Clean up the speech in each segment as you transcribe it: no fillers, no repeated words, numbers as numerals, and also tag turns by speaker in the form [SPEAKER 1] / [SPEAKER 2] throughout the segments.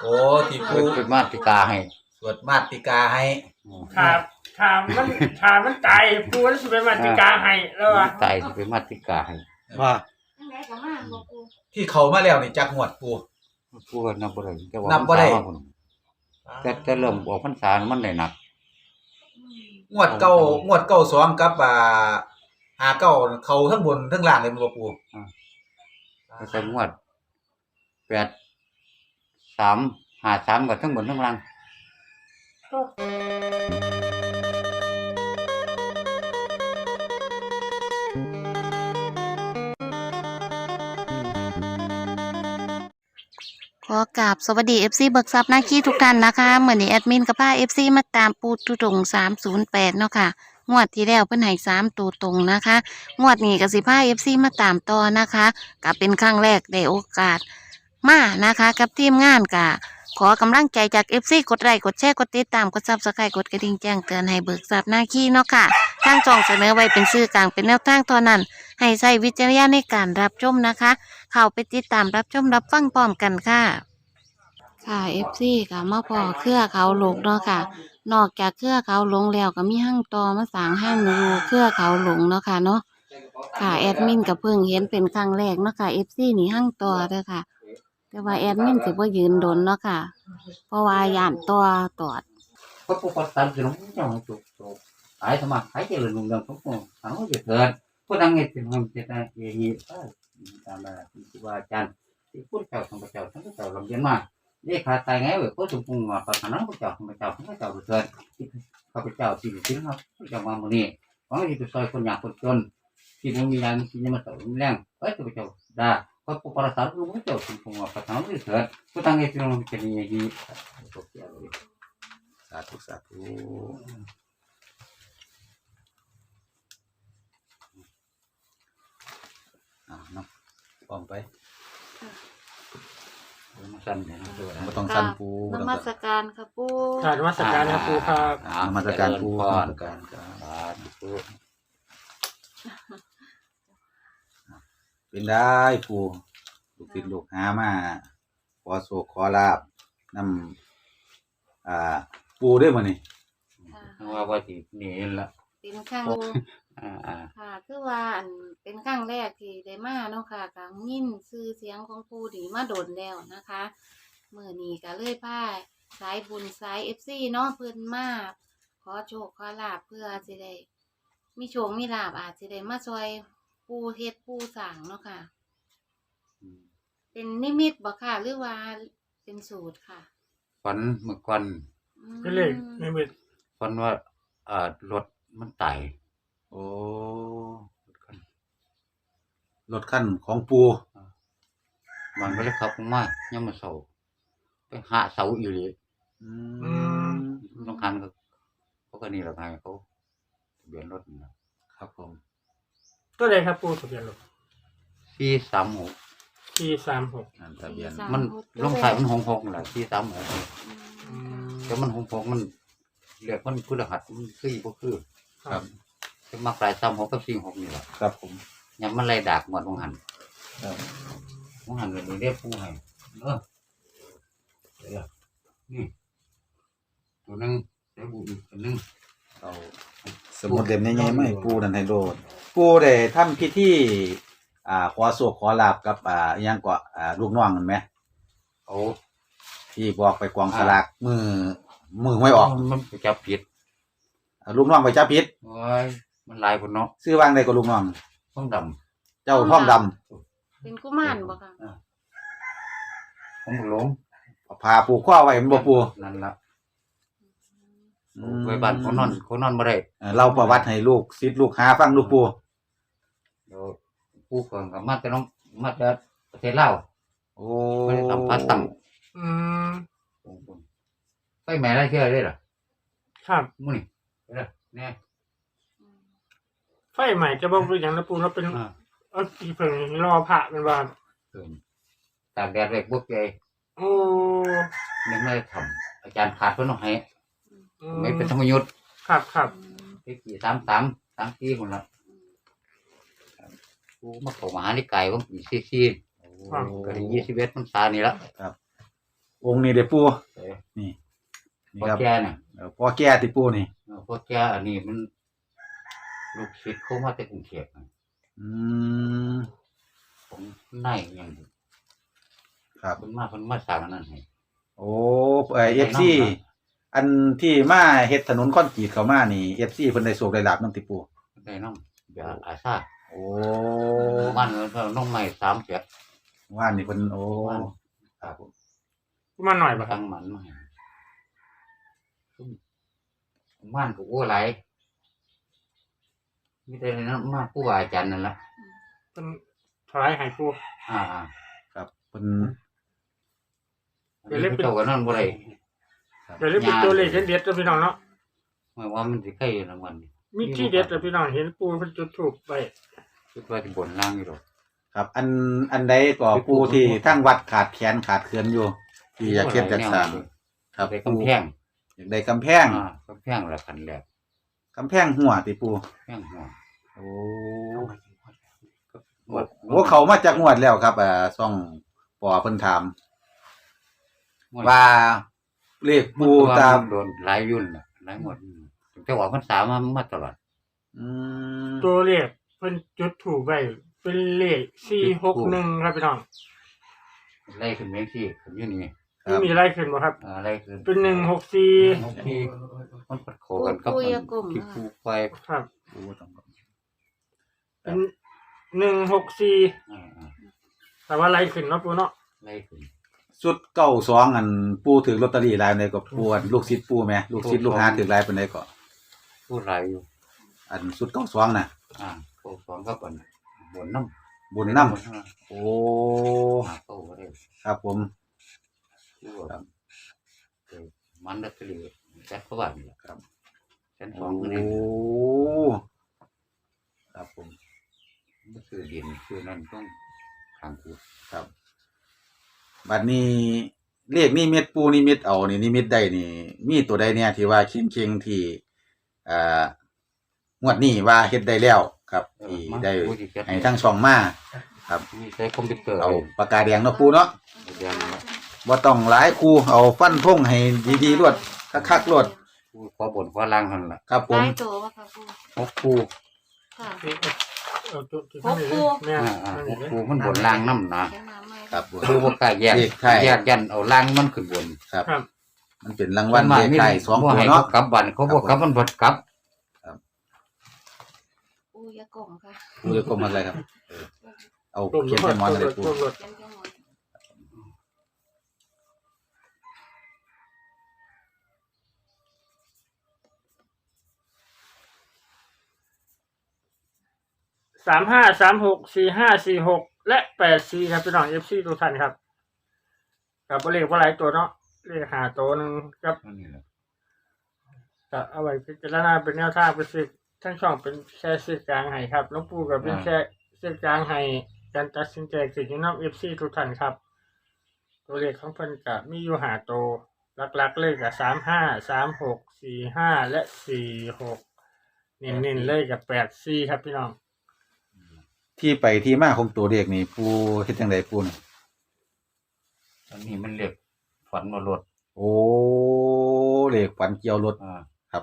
[SPEAKER 1] โอ้ที่ปู
[SPEAKER 2] เป็นมาติกาให้
[SPEAKER 1] สวดมาติกาให้
[SPEAKER 3] ครับถามมันตายปูนั่นสิเป็นมาติกาให้แล้วว่า
[SPEAKER 2] ตายสิเป็นมาติกาให้
[SPEAKER 1] ว่าที่เขามาแล้วนี่จักงวดปู
[SPEAKER 2] ก็นับบ่ได้นับบ่ได้แต่เริ่มออกพรรษามันได้หนัก
[SPEAKER 1] งวดเก้า2กับ59เขาทั้งบนทั้งล่างเลยบ่ปู
[SPEAKER 2] แต่งวด8353ก็ทั้งบนทั้งล่าง
[SPEAKER 4] ขอกราบสวัสดี FC เบิกทรัพย์นาคีทุกท่านนะคะเหมือนนี้แอดมินกับพา FC มาตามปูตุตง308เนาะค่ะงวดที่แล้วเพิ่นให้3ตัวตรงนะคะงวดนี้ก็สิพา FC มาตามต่อนะคะก็เป็นครั้งแรกได้โอกาสมานะคะกับทีมงานกะขอกำลังใจจาก FC กดไลค์กดแชร์กดติดตามกด Subscribe กดกระดิ่งแจ้งเตือนให้เบิกทรัพย์นาคีเนาะค่ะทางช่องเสนอไว้เป็นสื่อกลางเป็นแนวทางเท่านั้นให้ใช้วิจารณญาณในการรับชมนะคะเข้าไปติดตามรับชมรับฟังพร้อมกันค่ะค่ะ FC ค่ะมาพอเครือเขาหลงเนาะค่ะนอกจากเครือเขาหลงแล้วก็มีห้างตอมาสร้างห้างอยู่เครือเขาหลงเนาะค่ะเนาะค่ะแอดมินก็เพิ่งเห็นเป็นครั้งแรกเนาะค่ะ FC นี่ห้างตอเด้อค่ะแต่ว่าแอดมินสิบ่ยืนดนเนาะค่ะเพราะว่าย่านตอตอด
[SPEAKER 2] ก็ปกติสิลงจังจุกหายสมัครหายเจริญรุ่งเรืองทุกคนทั้งหมดเถิดผู้ดังเฮ็ดเป็นเจตนาเฮีตามมาที่ว่าอาจารย์ที่พูดเจ้าของพระเจ้าทั้งพระเจ้าลำเย็นมาเลขาตายไงเว้ยผู้สมพงษ์มาประธานพระเจ้าของพระเจ้าทั้งพระเจ้าเถิดข้าพเจ้าที่ถึงครับพระเจ้ามามื้อนี้หวังที่จะช่วยคนยากคนจนที่บ่มีแรงที่จะมาต่อแรงเอ้ยพระเจ้าได้พระผู้ประสาทรู้พระเจ้าสมพงษ์มาประธานเถิดผู้ดังเฮ็ดเป็นเจตนาเฮี
[SPEAKER 1] สาธุสาธุเนาะพร้อมไป
[SPEAKER 2] มาสั่นเนี่ยนะ
[SPEAKER 1] บ่ต้องสั่นปู
[SPEAKER 4] นมัสการค่ะปู
[SPEAKER 3] ค่ะนมัสการครับปูครับ
[SPEAKER 1] นมัสการปูนมัสการครับเป็นได้ปูลูกศิษย์ลูกหามาขอโชคขอลาภนำปูได้มื้อนี้
[SPEAKER 2] ว่าสินี่ล่ะ
[SPEAKER 4] เป็นครั้งค่ะคือว่าเป็นครั้งแรกที่ได้มาเนาะค่ะก็ยินชื่อเสียงของปูนี่มาโดนแล้วนะคะมื้อนี้ก็เลยพาสายบุญสาย FC เนาะเพิ่นมาขอโชคขอลาภเพื่อสิได้มีโชคมีลาภอาจสิได้มาช่วยปูเฮ็ดปูสร้างเนาะค่ะเป็นนิมิตบ่ค่ะหรือว่าเป็นสูตรค่ะ
[SPEAKER 2] ฝันเมื่อก่อน
[SPEAKER 3] เป็นเลขนิมิต
[SPEAKER 2] ฝันว่ารถมันตาย
[SPEAKER 1] โอ้รถคันของปู
[SPEAKER 2] มันก็เลยขับลงมายามมื้อเช้าไปหาเสาอยู่เลยต้องคันเขาก็นี่แหละไงเขาทะเบียนรถ
[SPEAKER 1] ครับผม
[SPEAKER 3] ตัวใดครับปูทะเบียนรถ
[SPEAKER 2] 436
[SPEAKER 3] ทะเบียน
[SPEAKER 2] มันลงท้ายมัน66นั่นแหละ436แต่มัน66มันเรียกมันพฤหัสมันคือบ่คือ
[SPEAKER 1] ครับ
[SPEAKER 2] จะมาปลาย36กับ46นี่แหละ
[SPEAKER 1] ครับผม
[SPEAKER 2] ยามมันไล่ดากหมดวงหันครับวงหันเลยเรียกปูให้นี่ตัวนึงได้บุญตัวนึง
[SPEAKER 1] เอาสมุดเล่มใหญ่ๆมาให้ปูนั่นให้โลดปูได้ทำพิธีขอโชคขอลาภกับอิหยังก็ลูกน้องนั่นแหม
[SPEAKER 2] โอ้
[SPEAKER 1] ที่บอกไปกองสลากมือไม่ออก
[SPEAKER 2] มันไปจับผิด
[SPEAKER 1] ลูกน้องไปจับผิด
[SPEAKER 2] โอ้ยมันลายพุ่นเนาะ
[SPEAKER 1] ชื่อว่างใดก็ลูกน้อง
[SPEAKER 2] ท้องด
[SPEAKER 1] ำเจ้าท้องด
[SPEAKER 4] ำเป็นกุมารบ่ค่ะ
[SPEAKER 2] ผมหลง
[SPEAKER 1] พาปูข้อไว้มันบ่ปู
[SPEAKER 2] นั่นล่ะไว้บ้านคนนอนบ่ได้
[SPEAKER 1] เราประวัติให้ลูกศิษย์ลูกหาฟังลูกปู
[SPEAKER 2] เดี๋ยวปูก่อนก็มาแต่น้องมาแต่ประเทศลาว
[SPEAKER 1] โอ้
[SPEAKER 2] ไม่ได้สัมภาษณ์ตั้งไปแม่ได้เชื่อได้ล่ะ
[SPEAKER 3] ครับ
[SPEAKER 2] มื้อนี้เด้อแน่
[SPEAKER 3] ไฟใหม่จะบอกเป็นอย่างนะปูเราเป็นอีเพิ่งรอพระเป็นว่า
[SPEAKER 2] ตากแดดไว้พวกใหญ่
[SPEAKER 3] โอ้
[SPEAKER 2] ยังไม่ได้ทำอาจารย์ขาดเพิ่นเอาให้ไม่เป็นธรรมยุทธ์
[SPEAKER 3] ครับ
[SPEAKER 2] ปี33คนละกูมาเข้ามหานิกายว่าปี44ก็ได้21พรรษานี่ละ
[SPEAKER 1] ครับ
[SPEAKER 2] กู
[SPEAKER 1] องค์นี้เด้อปู
[SPEAKER 2] เอ้ย
[SPEAKER 1] นี่นี่
[SPEAKER 2] พ่อ
[SPEAKER 1] ครับ
[SPEAKER 2] แก่น่ะ
[SPEAKER 1] พ่อแก่ที่ปูนี่
[SPEAKER 2] พ่อแก่อันนี้มันลูกศิษย์เขามาจากกรุงเทพน่ะ
[SPEAKER 1] อืม
[SPEAKER 2] ผมในอย่างนี้
[SPEAKER 1] ครับ
[SPEAKER 2] เพิ่นมาสร้างอันนั้นให้
[SPEAKER 1] โอ้FC อันที่มาเฮ็ดถนนคอนกรีตเข้ามานี่ FC เพิ่นได้โชคได้ลาบนำติปู
[SPEAKER 2] ได้น้ำยาอาซา
[SPEAKER 1] โอ้
[SPEAKER 2] มันน้องใหม่3เจ็ด
[SPEAKER 1] ว่านนี่เพิ่นโอ้
[SPEAKER 2] ว่าน
[SPEAKER 1] ครับผม
[SPEAKER 3] มาหน่อยบ่ครับ
[SPEAKER 2] ตั้งมันมาให้มันก็โอ้หลายมีแต่นั้นมาผู้ว่าอาจารย์นั่นล่ะ
[SPEAKER 3] เป็นถวายให้ปู
[SPEAKER 2] อ่า
[SPEAKER 1] ครับเพิ่น
[SPEAKER 2] เดี๋ยวเล่นเจ้ากันนั่นบ่ได้
[SPEAKER 3] เดี๋ยวเรียกเป็นตัวเลขเด็ดๆตัวพี่น้องเนาะ
[SPEAKER 2] หมายว่ามันสิใกล้รางวัลนี่
[SPEAKER 3] มีที่เด็ดตัวพี่น้องเห็นปูเป็นจุดถูกไป
[SPEAKER 2] คิดว่าสิบนล่างอยู่ดอก
[SPEAKER 1] ครับอันใดก็ปูที่ทั้งวัดขาดแขนขาดเขื่อนอยู่ ที่อยากเฮ็ดจัดสร้างครับ
[SPEAKER 2] ได้
[SPEAKER 1] ปู
[SPEAKER 2] กำแพง
[SPEAKER 1] อยากได้กำแพง
[SPEAKER 2] กำแพงละคันแรก
[SPEAKER 1] กำแพงหัวติปู
[SPEAKER 2] แพงหัว
[SPEAKER 1] โอ้
[SPEAKER 2] หมด
[SPEAKER 1] โหเขามาจากงวดแล้วครับซ่องปอเพิ่นถาม ว่าเลขปูตาม
[SPEAKER 2] โดนหลายยุ่นน่ะหลายหมดแต่ว่ามันสามมาตลอด
[SPEAKER 1] อืม
[SPEAKER 3] ตัวเลขเป็นจุดถูกไปเป็นเลข461ครับพี่น้อง
[SPEAKER 2] ไล่ขึ้นเมงที่ขึ้นอยู่นี่
[SPEAKER 1] ครับ
[SPEAKER 3] มีอะไรขึ้นบ่ครับ
[SPEAKER 2] ไล่ขึ้น
[SPEAKER 3] เป็น164
[SPEAKER 2] ที่มันปัดโคกันกับที่ปูไฟ
[SPEAKER 3] ครับ
[SPEAKER 1] ปูต้อง
[SPEAKER 3] เป็น164แต่ว่าอะไรขึ้นเนาะปูเนาะ
[SPEAKER 2] ไล่ขึ้น
[SPEAKER 1] สุด92อันปูถือลอตเตอรี่หลายปานใดก็ปูอันลูกศิษย์ปูแหมลูกศิษย์ลูกหาถือหลายปานใดก็
[SPEAKER 2] พูดหลายอยู่
[SPEAKER 1] อันสุด92น่ะ
[SPEAKER 2] โคสองก็เป็นบนน้ำ
[SPEAKER 1] บุญนำโอ้
[SPEAKER 2] โตก็ได้
[SPEAKER 1] ครับผม
[SPEAKER 2] มันดัตรีแจ็คก็ว่านี่แหละครับชั้นสองก็
[SPEAKER 1] โอ้
[SPEAKER 2] ได้
[SPEAKER 1] ครับผม
[SPEAKER 2] มันคือดินคือนั่นต้องทางกู
[SPEAKER 1] ครับบัดนี้เลขนิมิตปูนิมิตเอานี่นิมิตได้นี่ มีตัวใดเนี่ยที่ว่าเค็งๆที่งวดนี้ว่าเฮ็ดได้แล้วครับที่ได้ให้ทั้งช่องมาครับ
[SPEAKER 2] มีใช้คอมพิวเตอร์
[SPEAKER 1] เอาปากกาแดงเนาะปูเนาะ
[SPEAKER 2] เดียว
[SPEAKER 1] บ่ต้องหลายคู่เอาฟันธงให้ดีๆรวดคักๆรวด
[SPEAKER 2] พอบนพอล่างหันละ
[SPEAKER 1] ครับผม
[SPEAKER 4] ได้ตัวบ่ค่ะปู
[SPEAKER 2] หกคู่
[SPEAKER 4] ค่ะ
[SPEAKER 3] เอาตัวที่
[SPEAKER 4] หกคู่
[SPEAKER 3] เนี่ย
[SPEAKER 2] หกคู่มันบนล่างน้ำนะ
[SPEAKER 4] เขียนมาใหม่
[SPEAKER 1] ครับ
[SPEAKER 2] คู่บ่กล้าแยกแยกยันเอาล่างมันขึ้นบน
[SPEAKER 1] ครับ
[SPEAKER 3] ครับ
[SPEAKER 1] มันเป็นรางวัลเลขไทย2ตัวเนาะ
[SPEAKER 2] กลับบันเขาบอกกลับมันบดกลับ
[SPEAKER 4] ปูยากล่องค่ะ
[SPEAKER 1] ปูจะกลมอะไรครับเอาเขียนให้หมอนเลยปู
[SPEAKER 4] เขียนจังหวะ
[SPEAKER 3] 35364546และ84ครับพี่น้อง FC ทุกท่านครับกับเลขว่าหลายตัวเนาะเลขหาตัวหนึงครับ
[SPEAKER 2] นี่แหละ
[SPEAKER 3] ก็เอาไว้พิจารณาเป็นแนวทางเป็นสื่อทั้งช่องเป็นแชร์สื่อกลางให้ครับหลวงปู่กับเป็นแชร์สื่อกลางให้การตัดสินใจสิ่งที่น้องFC ทุกท่านครับ ตัวเลขของเพิ่นก็มีอยู่หาตัวหลักๆเลยกับ353645และ46เน้นๆเลยกับ84ครับพี่น้อง
[SPEAKER 1] ที่ไปที่มาของตัวเลขนี่ปูเฮ็ดจังไดปูนี่
[SPEAKER 2] อันนี้มันเรียกฝันมาลด
[SPEAKER 1] โอ้เลขฝันเกี่ยวรถ
[SPEAKER 2] อ่า
[SPEAKER 1] ครับ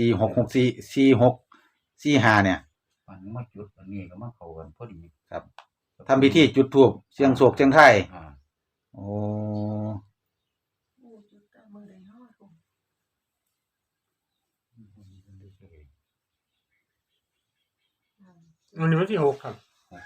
[SPEAKER 1] 466445เนี่ย
[SPEAKER 2] ฝันมาจุดอันนี้ก็มาเข้ากันพอดี
[SPEAKER 1] ครับทำพิธีจุดธูปเสียงโศกเสียงไทยโอ้
[SPEAKER 3] วันนี้วันที่6ครับ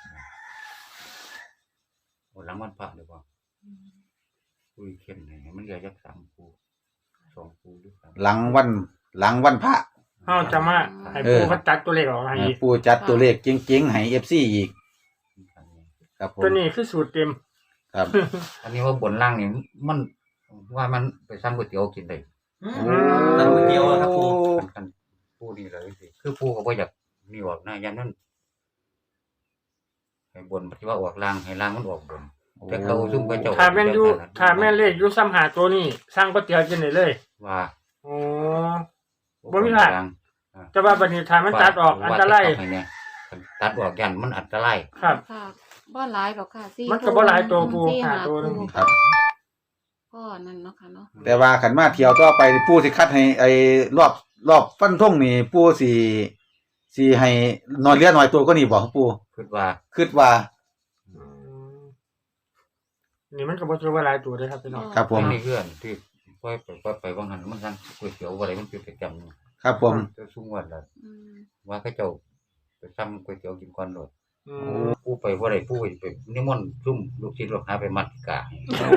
[SPEAKER 2] โอ้แล้วมันพระเลยว่าคุยเข้มไหนมันเหลือจัก3คู่2คู่หรือ3
[SPEAKER 1] หลังวันพระ
[SPEAKER 3] เฮาจะมาให้ปู่เขาตัดตัวเลขออกให้อีก
[SPEAKER 1] ปูจัดตัวเลขเจ๋งๆให้ FC อีกครับผม
[SPEAKER 3] ตัวนี้คือสูตรเต็ม
[SPEAKER 1] ครับ
[SPEAKER 2] อันนี้ว่าบนล่างนี่มันว่ามันไปสั่งก๋วยเตี๋ยวกินได้
[SPEAKER 1] ตั้งก๋วยเตี๋ยวครับปู
[SPEAKER 2] กันปูนี่เลยสิคือปูก็บ่อยากนี่ออกนะยันนั้นให้บนปฏิว่าออกล่างให้ล่างมันออกบนแต่เขาซุ่มก็เจ้า
[SPEAKER 3] ถ้าแม่นอยู่ถ้าแม่นเลขอยู่ซ้ำหาตัวนี้สร้างก๋วยเตี๋ยวกินได้เลย
[SPEAKER 2] ว่า
[SPEAKER 3] โอ้ บ่มีพลาด แต่ว่าบัดนี้ถ้ามันตัดออกอันตราย
[SPEAKER 2] ตัดออกยันมันอันตราย
[SPEAKER 3] ครับ
[SPEAKER 4] ค่ะบ่หลายหรอกค่ะ4
[SPEAKER 3] มันก็บ่หลายตัวปู
[SPEAKER 4] 4
[SPEAKER 3] หาตัวหนึ่ง
[SPEAKER 1] ครับ
[SPEAKER 4] พพ่อนั่นเนาะค่ะเนาะ
[SPEAKER 1] แต่ว่าขันมาเที่ยวต่อไปปู่สิคัดให้ไอ้รอบฟันธงนี่ปู่สิให้น้อยเหลือน้อยตัวก็นี่บ่ครับปู่
[SPEAKER 2] คิดว่า
[SPEAKER 1] คิดว่า
[SPEAKER 3] อืมนี่มันก็บ่ถือว่าหลายตัวเด้อครับพี่น้อง
[SPEAKER 1] ครับผม
[SPEAKER 2] นี่เพื่อนที่ปล่อยไปบางหันมันสั่งก๋วยเตี๋ยวอะไรมันเป็นประจำ
[SPEAKER 1] ครับผม
[SPEAKER 2] จะสูงวันละ
[SPEAKER 4] อืม
[SPEAKER 2] ว่าเขาเจ้าไปซ้ำก๋วยเตี๋ยวกินก่อนโลด
[SPEAKER 3] อืม
[SPEAKER 2] ผู้ไปบ่ได้ผู้ไปนิมนต์ซุ่มลูกศิษย์ลูกหาไปมัดกะ
[SPEAKER 1] โอ้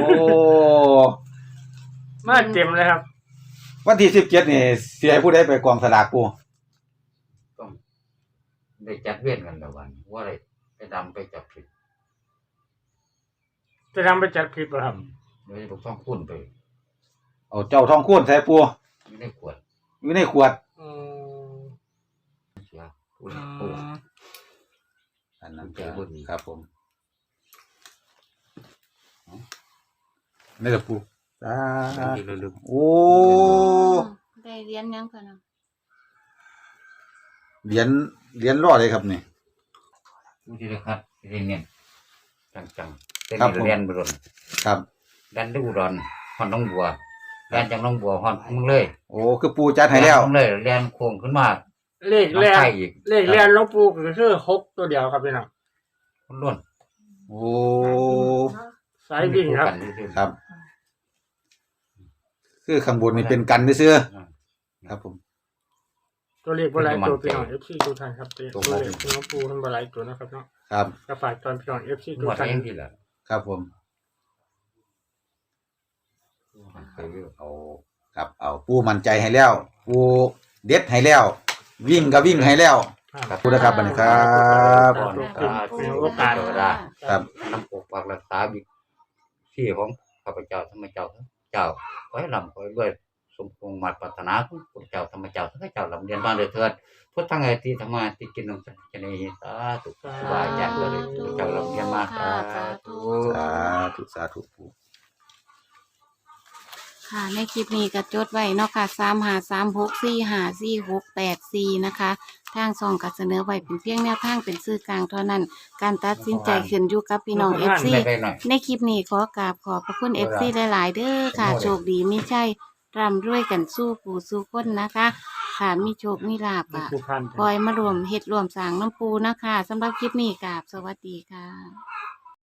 [SPEAKER 3] มาเต็มเลยครับ
[SPEAKER 1] วันที่17นี่สิให้ผู้ใดไปกองสลากปู่
[SPEAKER 2] ต้องได้จัดเวียนกันละวันว่าได้ไปดำไปจับผิด
[SPEAKER 3] จะทำไปจัดคลิปเหรอครับ
[SPEAKER 2] โดยบอกต้องคุ้นไป
[SPEAKER 1] เอาเจ้าทองคูณใส่ปู่
[SPEAKER 2] ไม่ได้ขวด
[SPEAKER 1] อยู่ในขวด
[SPEAKER 3] อืม
[SPEAKER 2] เสียผู้
[SPEAKER 3] อื
[SPEAKER 2] ผู้
[SPEAKER 3] ม
[SPEAKER 1] อันนั้น
[SPEAKER 2] ใจบ่ดี
[SPEAKER 1] ครับผมนี่แหละปู่สา
[SPEAKER 2] บาง
[SPEAKER 1] ธุ
[SPEAKER 2] ทีเราลืม
[SPEAKER 1] โอ้
[SPEAKER 4] ได้เรียนยังค่ะเนาะ
[SPEAKER 1] เหรียญรอดเลยครับนี่
[SPEAKER 2] ผู้ที่ได้คัดที่ได้เนียนจังๆเป็น
[SPEAKER 1] ครับผม
[SPEAKER 2] เรียนบรน
[SPEAKER 1] ครับ
[SPEAKER 2] ดันดูดอนฮอนน้องบัวแลนจากน้องบัวฮอนมึงเลย
[SPEAKER 1] โอ้คือปู่จัดให้แล้ว
[SPEAKER 2] มึงเลยแลนโค้งขึ้นมา
[SPEAKER 3] เลขแร
[SPEAKER 2] น้ำ
[SPEAKER 3] ก
[SPEAKER 2] ไข่อีก
[SPEAKER 3] เลขแรกหลวงปู่ก็คือ6ตัวเดียวครับพี่น้อง
[SPEAKER 2] คนล้วน
[SPEAKER 1] โอ้
[SPEAKER 3] สายวิ่งครับ
[SPEAKER 2] กันซื่อๆ
[SPEAKER 1] ครับ คือข้างบนนี่เป็นกันซื่อ
[SPEAKER 2] อ่า
[SPEAKER 1] ๆครับผม
[SPEAKER 3] ตัวเลขบ่หลายตัว
[SPEAKER 2] มันจะ
[SPEAKER 3] พี่น้อง
[SPEAKER 2] มั่นใจ
[SPEAKER 3] FC ทุกท่านครับตัว
[SPEAKER 2] ตัว
[SPEAKER 3] เลขหลวงปู่มันบ่หลายตัวนะครับเนาะ
[SPEAKER 1] ครับ
[SPEAKER 3] ก็ฝากตอนพี่น้อง FC ทุ
[SPEAKER 2] ง
[SPEAKER 3] ก
[SPEAKER 2] วด
[SPEAKER 3] ท่าน
[SPEAKER 2] เองที่ละ
[SPEAKER 1] ครับผม
[SPEAKER 2] เคยเอา
[SPEAKER 1] ครับเอาปู่มั่นใจให้แล้วปู่เด็ดให้แล้ว วิ่งก็วิ่งให้แล้ว
[SPEAKER 3] ครับ
[SPEAKER 1] ขอบคุณนะครับบัดนี้ครับ
[SPEAKER 3] มีโอกาส
[SPEAKER 2] เจอได้
[SPEAKER 1] ครับ
[SPEAKER 2] น้ำปกปักรักษาบิที่ของข้าพเจ้าธรรมเจ้าเจ้าขอให้ลำขอให้รวยสมพงษ์มาตรปรารถนาของพระเจ้าธรรมเจ้าทั้งเจ้าลำเรียนบ้านเลยเถิดพุทธังไงที่ธรรมาที่กินนมสัจเนหิสาธุสบายใจเลยพระเจ้าลำเรียนมาสาธุ
[SPEAKER 1] สาธุสาธุปู่
[SPEAKER 4] ค่ะในคลิปนี้ก็จดไว้เนาะค่ะ3536454684นะคะ ทางซองก็เสนอไว้เป็นเพียงแนวทางเป็นสื่อกลางเท่านั้น การตัดสินใจขึ้นอยู่กับพี่น้อง FC
[SPEAKER 2] ได้หน่อย
[SPEAKER 4] ในคลิปนี้ขอกราบขอบพระคุณ FC หลาย ๆ เด้อค่ะ โชคดีมีชัยร่ำรวยกันสู้ผู้สู้คนนะคะ ค่ะมีโชคมีลาภอ่ะ
[SPEAKER 3] ผู้พัน
[SPEAKER 4] คอยมารวมเฮ็ดรวมสร้างน้ำปูนะคะสำหรับคลิปนี้กราบสวัสดีค่ะ